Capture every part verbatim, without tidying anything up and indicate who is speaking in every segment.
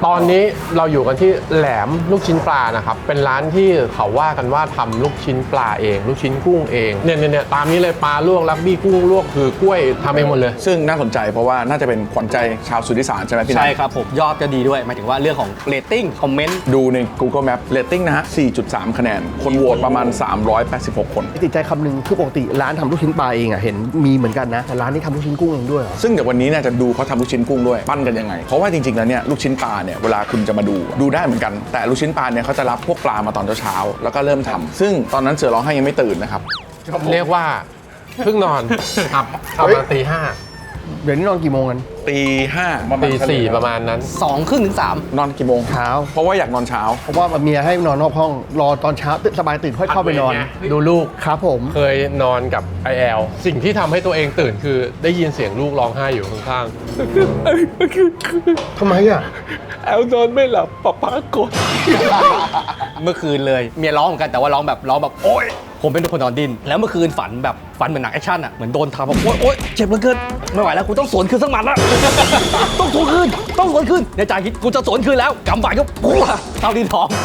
Speaker 1: ตอนนี้เราอยู่กันที่แหลมลูกชิ้นปลานะครับเป็นร้านที่เขาว่ากันว่าทำลูกชิ้นปลาเองลูกชิ้นกุ้งเองเนี่ยเนี่ยตามนี้เลยปลาลวกลักบี้กุ้งลวกคือกล้วยทำเองหมดเลย
Speaker 2: ซึ่งน่าสนใจเพราะว่าน่าจะเป็นขวัญใจชาวสุทธิสารใช่ไหมพี่นัท
Speaker 3: ใช่ครับผมยอดก็ดีด้วยหมายถึงว่าเรื่องของเรตติ้งคอมเมนต์
Speaker 2: ดูใน Google Map เรตติ้งนะฮะ สี่จุดสาม คะแนนคนโหวตประมาณสามร้อยแปดสิบหกคน
Speaker 4: ติดใจคำหนึ่งคือปกติร้านทำลูกชิ้นปลาเองอ่ะเห็นมีเหมือนกันนะแต่ร้านนี้ทำลูกชิ้นกุ้งเองด้วยเหรอ
Speaker 2: ซึ่งเดี๋ยววันนี้เนี่ยจะดูเขาทำลูกชิ้นกุ้งด้วยปั้นกันยังไงเพราะว่าจริงๆแล้วเนี่ยลูกชิ้นปลาเนี่ยเวลาคุณจะมาดูดูได้เหมือนกันแต่ลูกชิ้นปลาเนี่ยเขาจะรับพวกปลามาตอนเช้าๆแล้วก็เริ่มทำซึ่งตอนนั้นเสือร้องไห้ยังไม่ตื่นนะครับ
Speaker 1: เรียกว่าเพิ่งนอนครับประมาณตีห้า
Speaker 4: เดี๋ยวนี้นอนกี่โมงกัน
Speaker 2: ตีห้า
Speaker 1: ตีสี่ประมาณนั้น
Speaker 3: สองครึ่งถึงสาม
Speaker 2: นอนกี่โมง
Speaker 4: เช้า
Speaker 2: เพราะว่าอยากนอนเช้า
Speaker 4: เพราะว่าเมียให้นอนนอกห้องรอตอนเช้าสบายตื่นค่อยเข้าไปนอน
Speaker 1: ดูลูก
Speaker 4: ครับผม
Speaker 1: เคยนอนกับไอแอลสิ่งที่ทำให้ตัวเองตื่นคือได้ยินเสียงลูกร้องไห้อยู่ข้าง
Speaker 4: ๆทำไมอ่ะ
Speaker 1: แอลนอนไม่หลับป๊าป๊ากด
Speaker 3: เมื่อคืนเลยเมียร้องเหมือนกันแต่ว่าร้องแบบร้องแบบโอ๊ยผมเป็นคนนอนดิ้นแล้วเมื่อคืนฝันแบบฝันเหมือนหนังแอคชั่นอ่ะเหมือนโดนทำแบบโอ๊ยโอ๊ยเจ็บเหลือเกินไม่ไหวแล้วกูต้องสวนคืนสักหมัดละต้องสวนคืนต้องสวนคืนในใจคิดกูจะสวนคืนแล้วกำบายก็ปุ๊บเท่าดินทอง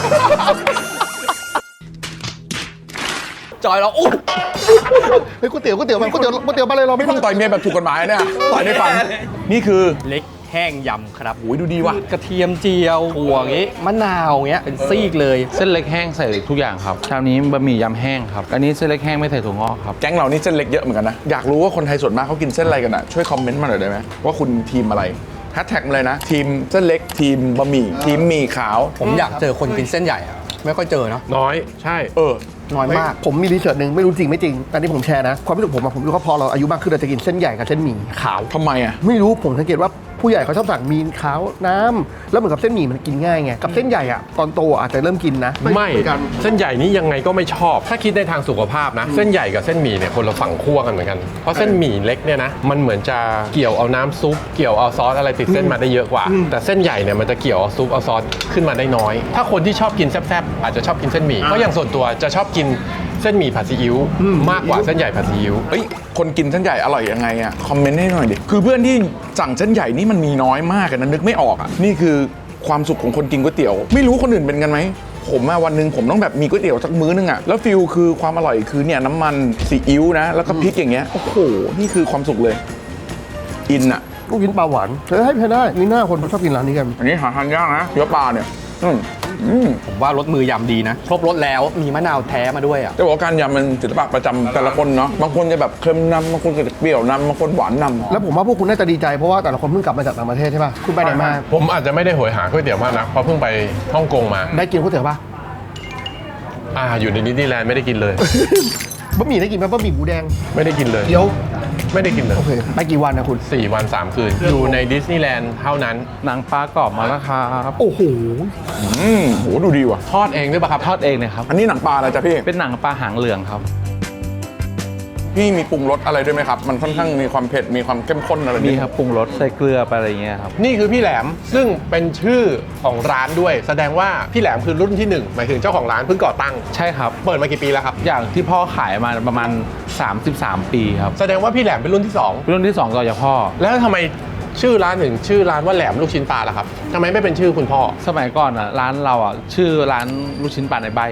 Speaker 3: จอยเราโอ้
Speaker 4: เฮ้ยก๋วยเตี๋ยวก๋วยเตี๋ยวมาก๋วยเตี๋ยวก๋วยเตี๋ยวมาเลยเราไม่
Speaker 2: ต้องต่อยเมียแบบถูกกฎหมายเนี่ยต่อยในฝันนี่คือ
Speaker 3: เล็กแห้งยำครับ
Speaker 2: โอ้ยดูดีว่ะ
Speaker 3: กระเทียมเจียวถั่วอย่างงี้มะนาวอย่างเงี้ยเป็นซีกเลย
Speaker 5: เส้นเล็กแห้งใส่ทุกอย่างครับชามนี้บะหมี่ยำแห้งครับอันนี้เส้นเล็กแห้งไม่ใส่ถั่วงอกครับ
Speaker 2: แก๊งเรานี่เส้นเล็กเยอะเหมือนกันนะอยากรู้ว่าคนไทยส่วนมากเขากินเส้นอะไรกันอ่ะช่วยคอมเมนต์มาหน่อยได้ไหมว่าคุณทีมอะไรแฮชแท็กมาเลยนะทีมเส้นเล็กทีมบะหมี่ทีมหมี่ขาว
Speaker 3: ผมอยากเจอคนกินเส้นใหญ่อะไม่ค่อยเจอเนาะ
Speaker 1: น้อยใช่
Speaker 2: เออ
Speaker 3: น้อยมาก
Speaker 4: ผมมีรีเสิร์ชหนึ่งไม่รู้จริงไม่จริงแต่ที่ผมแชร์นะความรู้สึกผมอะผมรู้ว่าพอเราอายุมากขึ้นเราจะกินเส้นใหญ่กับเส้นหมี่ขาว
Speaker 2: ทำไมอ่ะ
Speaker 4: ไม่รู้ผมสังเกตว่าผู้ใหญ่เขาชอบสั่งมีขาวน้ำแล้วเหมือนกับเส้นหมี่มันกินง่ายไงกับเส้นใหญ่อะตอนโตอาจจะเริ่มกินนะ
Speaker 1: ไม่เส้นใหญ่นี้ยังไงก็ไม่ชอบถ้าคิดในทางสุขภาพนะเส้นใหญ่กับเส้นหมี่เนี่ยคนละฝั่งขั้วกันเหมือนกันเพราะเส้นหมี่เล็กเนี่ยนะมันเหมือนจะเกี่ยวเอาน้ำซุปเกี่ยวเอาซอสอะไรติดเส้นมาได้เยอะกว่าแต่เส้นใหญ่เนี่ยมันจะเกี่ยวเอาซุปเอาซอสขึ้นมาได้น้อยถ้าคนที่ชอบกินแซ่บๆอาจจะชอบกินเส้นหมี่เพราะอย่างส่วนตัวจะชอบกินเส้นหมี่ผัดซีอิ๊วมากกว่าเส้นใหญ่ผัดซีอิ๊ว
Speaker 2: เฮ้ยคนกินเส้นใหญ่อร่อยยังไงอ่ะคอมเมนต์ให้หน่อยดิคือเพื่อนที่สั่งเส้นใหญ่นี่มันมีน้อยมากนะนึกไม่ออกอ่ะนี่คือความสุขของคนกินก๋วยเตี๋ยวไม่รู้คนอื่นเป็นกันไหมผมอะวันหนึ่งผมต้องแบบมีก๋วยเตี๋ยวสักมื้อนึงอ่ะแล้วฟิลคือความอร่อยคือเนี่ยน้ำมันซีอิ๊วนะแล้วก็พริกอย่างเงี้ยโอ้โหนี่คือความสุขเลยอินอ่ะ
Speaker 4: ลูกชิ้นปลาหวานเฮ้ยให้ได้มีหน้าคนชอบกินร้านนี้กัน
Speaker 2: อันนี้หาทานยากนะเนื้อปลาเนี่ย
Speaker 3: ผมว่ารสมือยำดีนะครบรสแล้วมีมะนาวแท้มาด้วยอ่ะ
Speaker 2: จะบอกการยำมันศิลปะประจำแต่ละคนเนาะบางคนจะแบบเค็มนำบางคนจะเปรี้ยวนำบางคนหวานนำ
Speaker 4: แล้วผมว่าพวกคุณน่าจะดีใจเพราะว่าแต่ละคนเพิ่งกลับมาจากต่างประเทศใช่ป่ะคุณไปไหนมา
Speaker 1: ผมอาจจะไม่ได้โหยหาก๋วยเตี๋ยวมากนะเพราะเพิ่งไปฮ่องกงมา
Speaker 4: ได้กินก๋วยเตี๋ยวป่ะ
Speaker 1: อ่าอยู่ในนิติแลนด์ไม่ได้กินเลย
Speaker 4: บะหมี่ได้กินไหมบะหมี่หมูแดง
Speaker 1: ไม่ได้กินเลย
Speaker 4: เดี๋ยว
Speaker 1: ไม่ได้กินเลย
Speaker 4: โอเคไปกี่วันนะคุณ
Speaker 1: สี่วันสามคืนอยู่ในดิสนีย์แลนด์เท่านั้น
Speaker 5: หนังปลากรอบมาแล้วครับ
Speaker 4: โอ้โห
Speaker 2: อืมโหดูดีว่ะ
Speaker 1: ทอดเองด้วยป่ะครับ
Speaker 5: ทอดเองเลยครับ
Speaker 2: อันนี้หนังปลาอะไรจ๊ะพี่
Speaker 5: เป็นหนังปลาหางเหลืองครับ
Speaker 2: พี่มีปรุงรสอะไรด้วยไหมครับมันค่อนข้างมีความเผ็ดมีความเข้มข้นอะไร
Speaker 5: มีครับปรุงรสใส่เกลือไปอะไรเงี้ยครับ
Speaker 1: นี่คือพี่แหลมซึ่งเป็นชื่อของร้านด้วยแสดงว่าพี่แหลมคือรุ่นที่หนึ่งหมายถึงเจ้าของร้านเพิ่งก่อตั้ง
Speaker 5: ใช่ครับ
Speaker 1: เปิดมากี่ปีแล้วครับ
Speaker 5: อย่างที่พ่อขายมาประมาณสามสิบสามปีครับ
Speaker 1: แสดงว่าพี่แหลมเป็นรุ่นที่สอง
Speaker 5: รุ่นที่สองต่อจากพ่อ
Speaker 1: แล้วทำไมชื่อร้านหนึ่งชื่อร้านว่าแหลมลูกชิ้นปลาล่ะครับทำไมไม่เป็นชื่อคุณพ่อ
Speaker 5: สมัยก่อนอ่ะร้านเราอ่ะชื่อร้านลูกชิ้นปลาในใบ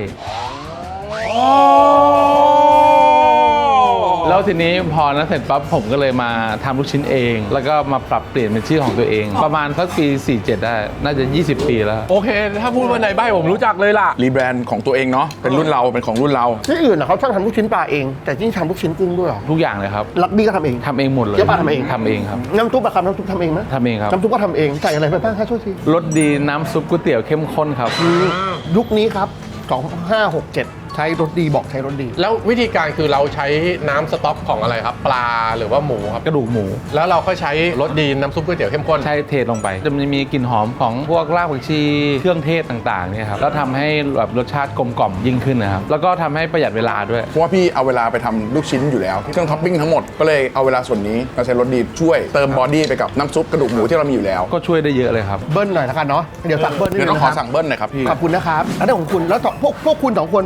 Speaker 5: แล้วทีนี้พอนั้นเสร็จปั๊บผมก็เลยมาทำลูกชิ้นเองแล้วก็มาปรับเปลี่ยนเป็นชื่อของตัวเองประมาณสักปีสี่สิบเจ็ดได้น่าจะยี่สิบปีแล้ว
Speaker 1: โอเคถ้าพูดว่าในใบผมรู้จักเลยล่ะ
Speaker 2: รีแบรนด์ของตัวเองเนาะเป็นรุ่นเราเป็นของรุ่นเรา
Speaker 4: ที่อื่นอ่ะเขาชอบทำลูกชิ้นปลาเองแต่ที่ทำลูกชิ้นกุ้งด้วยหรอ
Speaker 5: ทุกอย่างเลยครับ
Speaker 4: ลักบี้ก็ทำเอง
Speaker 5: ทำเองหมดเลย
Speaker 4: เจ๊ปลาทำเอง
Speaker 5: ทำเองครับ
Speaker 4: น้ำซุปอะครับน้ำซุปทำเองไหม
Speaker 5: ทำเองครับ
Speaker 4: น้ำซุปก็ทำเองใส่อะไรไปบ้างคะช่วยที
Speaker 5: รสดีน้ำซุปก๋วยเตี๋ยวเข้มข้นครับ
Speaker 4: ยุคนี้ครับสองห้าหกเจ็ดใช้รสดีบอกใช้รสดี
Speaker 1: แล้ววิธีการคือเราใช้น้ำสต๊อกของอะไรครับปลาหรือว่าหมูครับ
Speaker 5: กระดูกหมู
Speaker 1: แล้วเราก็ใช้รสดีน้ำซุปก๋วยเตี๋ยวเข้มข้น
Speaker 5: ใช่เทลงไปจะมีกลิ่นหอมของพวกรากผักชีเครื่องเทศต่างๆเนี่ยครับแล้วทำให้แบบรสชาติกลมกล่อมยิ่งขึ้นนะครับแล้วก็ทำให้ประหยัดเวลาด้วย
Speaker 2: เพราะว่าพี่เอาเวลาไปทำลูกชิ้นอยู่แล้วเครื่องท็อปปิ้งทั้งหมดก็เลยเอาเวลาส่วนนี้มาใช้รสดีช่วยเติมบอดี้ไปกับน้ำซุปกระดูกหมูที่เรามีอยู่แล้ว
Speaker 5: ก็ช่วยได้เยอะเลยครับ
Speaker 4: เบิ้ลหน่อยละกันเนาะเดี๋ยวสั่งเบิ้ล
Speaker 2: เดี๋ยวต้องขอสั่งเบิ้ลหน่อยครับพี่
Speaker 4: ขอบคุณนะครับแล้วของคุณแล้วพวกพวกคุณสองคนไปไหนมา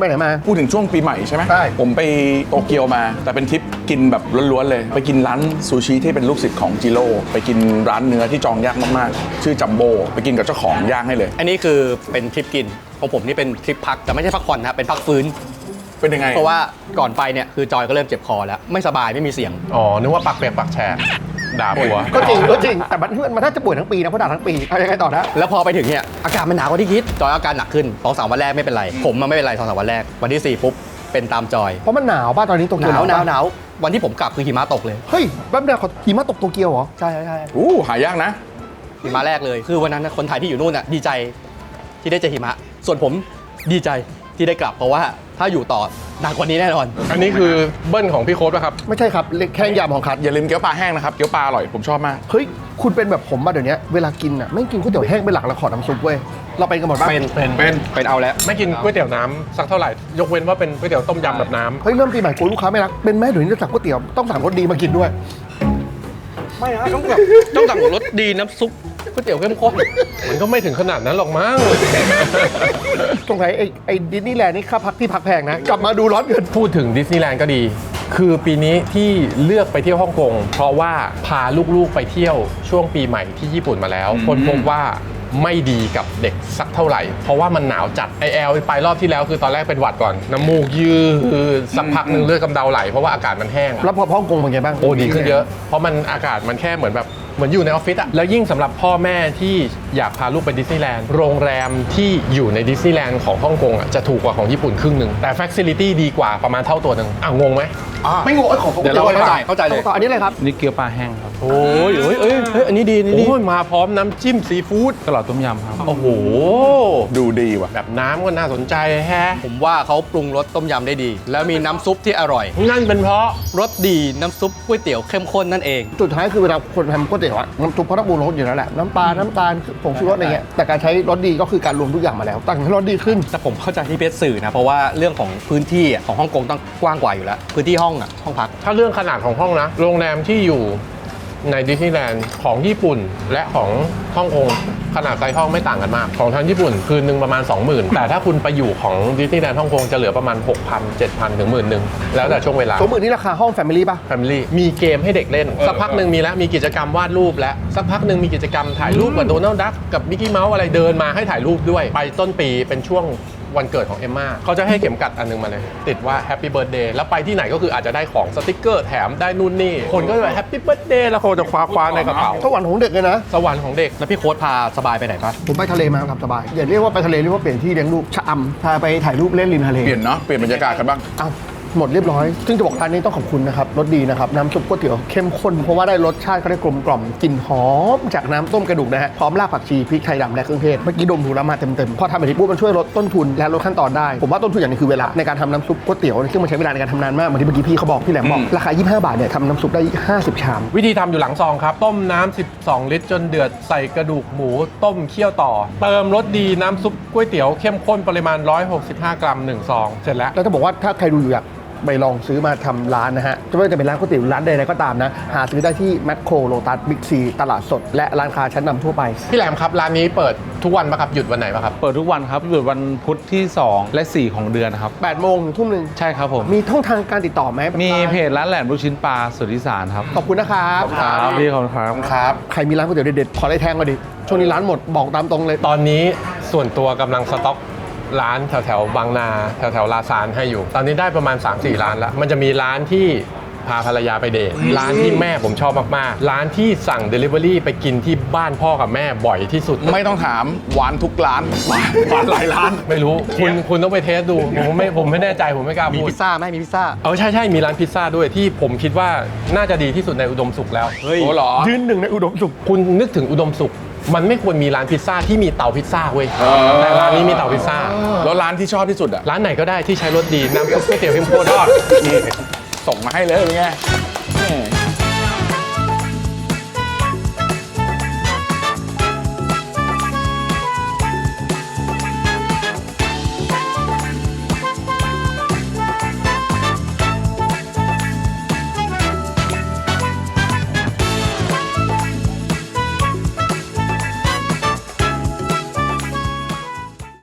Speaker 2: พูดถึงช่วงปีใหม่ใช่ไหม
Speaker 4: ใช่
Speaker 2: ผมไปโตเกียวมา แต่เป็นทริปกินแบบล้วนๆเลย ไปกินร้านซูชิที่เป็นลูกศิษย์ของจิโร่ไปกินร้านเนื้อที่จองยากมากๆ ชื่อจัมโบ้ไปกินกับเจ้าของย่างให้เลย
Speaker 3: อันนี้คือเป็นทริปกินของผมนี่เป็นทริปพักแต่ไม่ใช่พักผ่อนนะครับเป็นพักฟื้น
Speaker 2: เป็นยังไง
Speaker 3: เพราะว่าก่อนไปเนี่ยคือจอยก็เริ่มเจ็บคอแล้วไม่สบายไม่มีเสียง
Speaker 1: อ๋อ นึกว่าปักเปียกปักแฉกด่าผัว
Speaker 4: ก็จริงก็จริงแต่มันมันน่าจะป่วยทั้งปีนะเพราะด่าทั้งปีเอายังไงต่อนะ
Speaker 3: แล้วพอไปถึงเนี่ยอากาศมันหนาวกว่าที่คิดจอยอาการหนักขึ้นสองสามวันแรกไม่เป็นไรผมมันไม่เป็นไรสองสามวันแรกวันที่สี่ปุ๊บเป็นตามจอย
Speaker 4: เพราะมันหนาวป่ะตอนนี้โต
Speaker 3: ห
Speaker 4: เกีย
Speaker 3: นาว วหนาว
Speaker 4: ปะ
Speaker 3: หนาววันที่ผมกลับคือหิมะตกเลย
Speaker 4: เฮ้ยแป๊บเดียวเขาหิมะตกโตเกียวเหรอ
Speaker 3: ใช่ใช่ใช่
Speaker 2: อู้หายากนะ
Speaker 3: หิมะแรกเลย คือวันนั้นนะคนไทยที่อยู่นู่นน่ะดีใจที่ได้เจอหิมะ ส่วนผมดีใจที่ได้กลับ เพราะว่าถ้าอยู่ต่อหนักกว่านี้แน่นอน
Speaker 1: อันนี้คือเบิ้ลของพี่โค้ดป่ะครับ
Speaker 4: ไม่ใช่ครับเล็กแค่ยำของคัด
Speaker 2: อย่าลืมเกี๊ยวปลาแห้งนะครับ เกี๊ยวปลาอร่อย ผมชอบมาก
Speaker 4: เฮ้ยคุณเป็นแบบผมมาเดี๋ยวนี้เวลากินอ่ะไม่กินก๋วยเตี๋ยวแห้งเป็นหลักแล้วขอน้ำซุปเว้ยเราเป็นกันหมดป่ะ
Speaker 3: เป็น
Speaker 1: เป็น
Speaker 2: เป็น
Speaker 3: เป็นเอาแล้ว
Speaker 1: ไม่กินก๋วยเตี๋ยวน้ำสักเท่าไหร่ ยกเว้นว่าเป็นก๋วยเตี๋ยวต้มยำแบบน้ำ
Speaker 4: เฮ้ยเริ่มปีใหม่กลัวลูกค้าไม่รักเป็นแม่เดี๋ยวนี้จะสั่งก๋วยเตี๋ยวต้องสั่งรสดีมากินด้วย
Speaker 3: ไม่นะต้องแบบต้องสั่งรสดีน้ำซุปก๋วยเตี๋ยวเข้มข้น
Speaker 1: มันก็ไม่ถึงขนาดนั้นหรอกมั้ง
Speaker 4: ตรงไหนไอ้ไอ้ดิสนีย์แลนด์นี่ค่าพักที่พักแพงนะ กลับมาดูร้อนเกิน
Speaker 1: พูดถึงดิสนีย์แลนด์ก็ดี คือปีนี้ที่เลือกไปเที่ยวฮ่องกงเพราะว่าพาลูกๆไปเที่ยวช่วงปีใหม่ที่ญี่ปุ่นมาแล้ว คนพบว่าไม่ดีกับเด็กสักเท่าไหร่ เพราะว่ามันหนาวจัดไอแอลไปรอบที่แล้วคือตอนแรกเป็นหวัดก่อนน้ำมูกยืดสักพักหนึ่งเลือดกำเดาไหลเพราะว่าอากาศมันแห้ง
Speaker 4: แล้วพอฮ่องกงเป็นไงบ้าง
Speaker 1: โอ้ดีขึ้นเยอะ เพราะมันอากาศมันแค่เหมือนแบบเหมือนอยู่ในออฟฟิศอะแล้วยิ่งสำหรับพ่อแม่ที่อยากพาลูกไปดิสนีย์แลนด์โรงแรมที่อยู่ในดิสนีย์แลนด์ของฮ่องกงอะจะถูกกว่าของญี่ปุ่นครึ่งหนึ่งแต่ฟ a ซิลิตี้ดีกว่าประมาณเท่าตัวหนึ่งอ่ะงงไหม
Speaker 4: ไม่งงไอ้ของ
Speaker 3: เดี๋ยวเราเข้าใจเข้าใจเลย
Speaker 4: ต่ออันนี้เลยครับ
Speaker 5: นี่เกี๊ยวปลาแห้งครับ
Speaker 1: โอ้ยเอ้ยเอ้ยเอ้ยอันนี้ดีนี่ดีโอ้ยมาพร้อมน้ำจิ้มซีฟู้ด
Speaker 5: ตลอดต้มยำครับ
Speaker 1: โอ้โห
Speaker 2: ดูดีว่ะ
Speaker 1: แบบน้ำก็น่าสนใจแฮะ
Speaker 3: ผมว่าเขาปรุงรสต้มยำได้ดี แล้วมีน้ำซุปที่อร่อย
Speaker 1: นั่นเป็นเพราะ
Speaker 3: รสดีน้ำซุปก๋วยเตี๋ยวเข้มข้นนั่นเอง
Speaker 4: สุดท้ายคือเวลาคนทำก๋วยเตี๋ยวอะน้ำซุปเขาต้องปรุงรสอยู่แล้วแหละน้ำปลาน้ำตาลผงชูรสอะไรเงี้ยแต่การใช้รสดีก็คือการรวมทุกอย่างมาแล้วตั้งให้รสดีขึ้น
Speaker 3: แต่ผมเข้าใจที่เพชรสื่อนะ เพราะว่าเรื่องของพื้นที่อะของฮ่องกงต้องกว้างกว่าอยู่แล้ว พื้นที่ห้องอ่ะห้องพัก
Speaker 1: ถ้าเรื่องขนาดของห้องนะ โรงแรมที่อยู่ในดิสนีย์แลนด์ของญี่ปุ่นและของฮ่องกงขนาดไซส์ห้องไม่ต่างกันมาก ของทางญี่ปุ่นคืนหนึ่งประมาณ สองหมื่น แต่ถ้าคุณไปอยู่ของดิสนีย์แลนด์ฮ่องกงจะเหลือประมาณ หกพัน เจ็ดพัน ถึงหมื่นหนึ่งแล้วแต่ช่วงเวลา
Speaker 4: สมมตินี่ราคาห้องแฟมิลี่ป่ะ
Speaker 1: Family มีเกมให้เด็กเล่น สักพักหนึ่งมีแล้วมีกิจกรรมวาดรูปแล้วสักพักหนึ่งมีกิจกรรมถ่ายรูปกับโดนัลด์ดักกับมิกกี้เมาส์อะไรเดินมาให้ถ่ายรูปด้วย ไปต้นปีเป็นช่วงวันเกิดของเอมม่าเขาจะให้เข็มกัดอันนึงมาเลย ติดว่า Happy Birthday แล้วไปที่ไหนก็คืออาจจะได้ของสติกเกอร์แถมได้นู่นนี่ คนก็จะแบบ Happy Birthday แล้วคนจะคว้าคว้าในกระเป๋า
Speaker 4: สวรรค์ของเด็กเลยนะ
Speaker 1: สวรรค์ของเด็ก
Speaker 3: แล้วพี่โค้ดพาสบายไปไหนปะ
Speaker 4: ผมไปทะเลมาครับสบาย อย่าเรียกว่าไปทะเลเรียกว่าเปลี่ยนที่เลี้ยงลูกชะอำพาไปถ่ายรูปเล่นริมทะเล
Speaker 2: เปลี่ยนเนาะ เปลี่ยนบรรยากาศกันบ้าง
Speaker 4: อ้าวหมดเรียบร้อย ซึ่งจะบอกร้านนี้ต้องขอบคุณนะครับรสดีนะครับน้ำซุปก๋วยเตี๋ยวเข้มข้นเพราะว่าได้รสชาติเขาได้กลมกล่อมกลิ่นหอมจากน้ำต้มกระดูกนะฮะพร้อมรากผักชีพริกไทยดำและเครื่องเทศเมื่อกี้ดมดูแล้วมาเต็มๆพอทำแบบนี้ปุ๊บมันช่วยลดต้นทุนและลดขั้นตอนได้ผมว่าต้นทุนอย่างหนึงคือเวลาในการทำน้ำซุปก๋วยเตี๋ยวซึ่งมันใช้เวลาในการทำนานมากเหมือนที่เมื่อกี้พี่เขาบอกพี่แหลมบอกราคายี่สิบห้าบาทเนี่ยทำน้ำซุปได้ห้าสิบชาม
Speaker 1: วิธีทำอยู่หลังซองครับ ต้มน้ำสิบสองลิตรจนเดือดใส่กระดูกหมูต้มเคี่ยวต่อ เติมรสดีน้ำซุปก๋วยเตี๋ยวเข้มข้นปริมาณหนึ่งร้อยหกสิบห้ากรัมหนึ่งซองเสร็จแล้ว
Speaker 4: แล้วจะบอกว่าถ้าใครดูอยู่อยากไปลองซื้อมาทำร้านนะฮะจะไม่ว่าจะเป็นร้านก๋วยเตี๋ยวร้านใดๆก็ตามนะหาซื้อได้ที่แมคโครโลตัสบิ๊กซีตลาดสดและร้านค้าชั้นนำทั่วไป
Speaker 1: พี่แหลมครับร้านนี้เปิดทุกวันปะครับหยุดวันไหนปะครับ
Speaker 5: เปิดทุกวันครับหยุดวันพุธที่ สอง และ สี่ ของเดือนครับ
Speaker 4: แปดโมงถึงทุ่มหนึ่ง
Speaker 5: ใช่ครับผม
Speaker 4: มีช่องทางการติดต่อไหม
Speaker 5: มีเพจร้านแหลมลูกชิ้นปลาสุทธิสารครับ
Speaker 4: ขอบคุณนะครับ
Speaker 5: ครับพี่ขอบคุณครับ
Speaker 2: ครับ
Speaker 4: ใครมีร้านก๋วยเตี๋ยวเด็ดๆขอได้แทงมาดิช่วงนี้ร้านหมดบอกตามตรงเลย
Speaker 1: ตอนนี้ส่วนตัวกำลังสต็อกร้านแถวแถวๆบางนาแถวแถวๆลาซานให้อยู่ ตอนนี้ได้ประมาณ สามสี่ ร้านแล้ว มันจะมีร้านที่พาภรรยาไปเดทร้านที่แม่ผมชอบมากๆ ร้านที่สั่ง Delivery ไปกินที่บ้านพ่อกับแม่บ่อยที่สุด
Speaker 2: ไม่ต้องถามหวานทุกร้าน หวานหวานหลายร้าน
Speaker 1: ไม่รู้คุณคุณต้องไปเทสดู ผมไม่ผมไม่แน่ใจผมไม่กล้า
Speaker 3: มี
Speaker 1: พูด
Speaker 3: พิซซ่าไหมมีพิซซ่า
Speaker 1: เออใช่ใช่มีร้านพิซซ่าด้วยที่ผมคิดว่าน่าจะดีที่สุดในอุดมสุขแล้ว
Speaker 3: เฮ้ย
Speaker 2: โอ้เหรอ
Speaker 4: ยืนหนึ่งในอุดมสุข
Speaker 1: คุณนึกถึงอุดมสุข มันไม่ควรมีร้านพิซซ่าที่มีเตาพิซซ่าเว้ย
Speaker 2: เออ
Speaker 1: แต่ร้านนี้มีเตาพิซซ่า
Speaker 2: แล้วร้านที่ชอบที่สุดอ่ะ
Speaker 1: ร้านไหนก็ได้ที่ใช้รสดีน้ำซุปก๋วยเตี๋ยวเข้มข้นทอด
Speaker 2: นี่ส่งมาให้เลยเป็นไงแหม